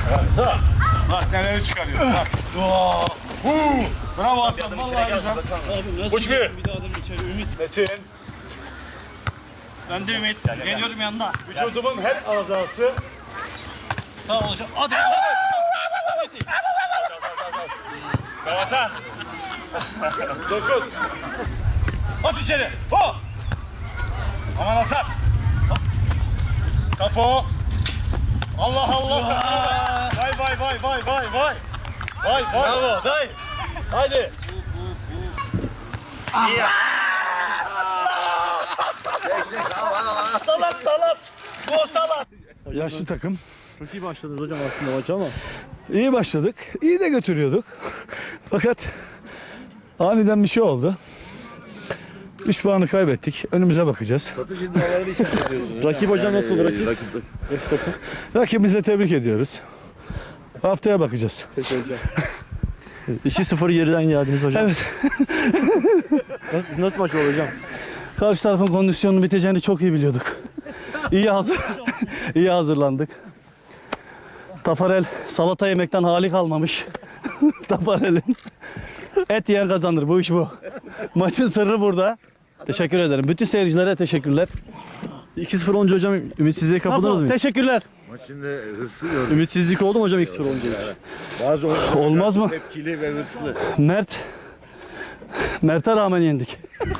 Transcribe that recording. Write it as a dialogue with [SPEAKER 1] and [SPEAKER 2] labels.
[SPEAKER 1] Bak neleri çıkarıyor. Bak. Bravo Aslan. Vallahi güzel.
[SPEAKER 2] Uç bir.
[SPEAKER 3] Bir de adım içeri Ümit.
[SPEAKER 1] Metin.
[SPEAKER 3] Ben de Ümit. Geliyorum yanına.
[SPEAKER 1] Vücudumun her azası.
[SPEAKER 3] Sağ ol hocam. Hadi.
[SPEAKER 2] Kavasa.
[SPEAKER 1] 9. At içeri. Ho. Aman Hasan. Kafo. Allah Allah. Vay vay vay vay vay vay. Vay vay.
[SPEAKER 2] Bravo. Day. Haydi. Salat salat. Bu salat.
[SPEAKER 4] Yaşlı takım.
[SPEAKER 3] Çok iyi başladınız hocam aslında maç ama.
[SPEAKER 4] İyi başladık. İyi de götürüyorduk. Fakat aniden bir şey oldu. 3 puanı kaybettik. Önümüze bakacağız.
[SPEAKER 3] Rakip hocam nasıl rakip?
[SPEAKER 4] Rakibimize tebrik ediyoruz. Haftaya bakacağız.
[SPEAKER 3] 2-0 geriden geldiniz hocam.
[SPEAKER 4] Evet.
[SPEAKER 3] Nasıl maç oldu hocam?
[SPEAKER 4] Karşı tarafın kondisyonunun biteceğini çok iyi biliyorduk. İyi hazırlandık. Tafarel salata yemekten hali kalmamış. Tafarel'in. Et yiyen kazanır. Bu iş bu. Maçın sırrı burada. Teşekkür ederim. Bütün seyircilere teşekkürler.
[SPEAKER 3] 2-0 olunca hocam ümitsizliğe kapıldınız mı?
[SPEAKER 4] Teşekkürler.
[SPEAKER 5] Şimdi hırslı gördüm.
[SPEAKER 3] Ümitsizlik oldu mu hocam 2-0 olunca?
[SPEAKER 5] Bazı oyuncular
[SPEAKER 4] Olmaz mı?
[SPEAKER 5] tepkili ve hırslı.
[SPEAKER 4] Mert'e rağmen yendik.